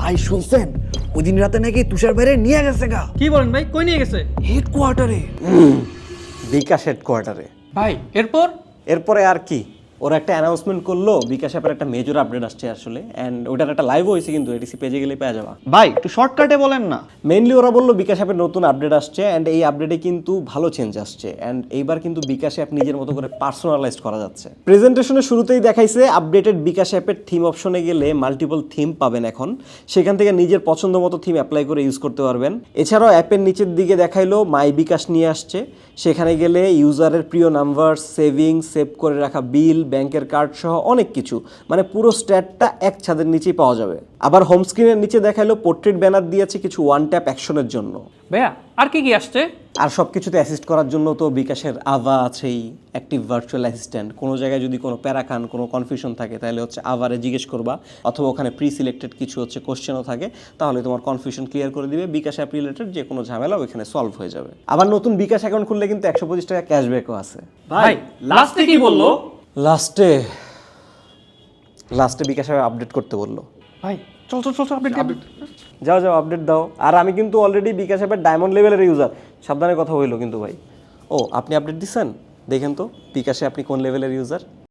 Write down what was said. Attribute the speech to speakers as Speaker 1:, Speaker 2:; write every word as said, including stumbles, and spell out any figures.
Speaker 1: ভাই শুনছেন ওই দিন রাতে নাকি তুষার বাইরে নিয়ে গেছে গা।
Speaker 2: কি বলেন ভাই, কই নিয়ে গেছে?
Speaker 1: হেডকোয়ার্টারে।
Speaker 3: বিকাশ হেডকোয়ার্টারে।
Speaker 2: ভাই এরপর?
Speaker 3: এরপরে আর কি, ওরা একটা অ্যানাউন্সমেন্ট করলো বিকাশ অ্যাপের একটা মেজর আপডেট আসছে আসলে, অ্যান্ড ওটার একটা লাইভ হয়েছে কিন্তু এটিসি পেজে গেলে পেয়ে যাবা।
Speaker 4: ভাই একটু শর্টকাটে বলেন না।
Speaker 3: মেইনলি ওরা বললো বিকাশ অ্যাপের নতুন আপডেট আসছে, অ্যান্ড এই আপডেটে কিন্তু ভালো চেঞ্জ আসছে, অ্যান্ড এইবার কিন্তু বিকাশ অ্যাপ নিজের মতো করে পার্সোনালাইজ করা যাচ্ছে। প্রেজেন্টেশনের শুরুতেই দেখাইছে আপডেটেড বিকাশ অ্যাপের থিম অপশনে গেলে মাল্টিপল থিম পাবেন এখন, সেখান থেকে নিজের পছন্দ মতো থিম অ্যাপ্লাই করে ইউজ করতে পারবেন। এছাড়াও অ্যাপের নিচের দিকে দেখাইলো মাই বিকাশ নিয়ে আসছে, সেখানে গেলে ইউজারের প্রিয় নাম্বার, সেভিংস, সেভ করে রাখা বিল, ব্যাংকের কার্ড সহ অনেক কিছু, মানে পুরো স্ট্যাটটা এক ছাদের নিচেই পাওয়া যাবে। আবার হোম স্ক্রিনের নিচে দেখাইলো পোর্ট্রেট ব্যানার দিয়েছে কিছু ওয়ান ট্যাপ অ্যাকশনের জন্য।
Speaker 2: ভাইয়া আর কি কি আসছে?
Speaker 3: আর সব কিছুতে অ্যাসিস্ট করার জন্য তো বিকাশের আভা আছেই, অ্যাক্টিভ ভার্চুয়াল অ্যাসিস্ট্যান্ট। কোনো জায়গায় যদি কোনো প্যারাখান, কোনো কনফিউশন থাকে তাহলে হচ্ছে আভারে জিজ্ঞেস করবা, অথবা ওখানে প্রি সিলেক্টেড কিছু হচ্ছে কোশ্চেনও থাকে, তাহলে তোমার কনফিউশন ক্লিয়ার করে দিবে। বিকাশ অ্যাপ রিলেটেড যে কোনো ঝামেলা ওইখানে সলভ হয়ে যাবে। আবার নতুন বিকাশ অ্যাকাউন্ট খুললে কিন্তু একশো পঁচিশ টাকা ক্যাশব্যাকও আছে।
Speaker 2: ভাই লাস্টে কি বললো?
Speaker 3: লাস্টে লাস্টে বিকাশ অ্যাপ আপডেট করতে বললো।
Speaker 2: ভাই চল চল চল আপডেট আপডেট
Speaker 3: যাও যাও আপডেট দাও। আর আমি কিন্তু অলরেডি বিকাশ অ্যাপের ডায়মন্ড লেভেলের ইউজার, সাবধানে কথা হইলো কিন্তু ভাই। ও আপনি আপডেট দিচ্ছেন, দেখেন তো বিকাশে আপনি কোন লেভেলের ইউজার।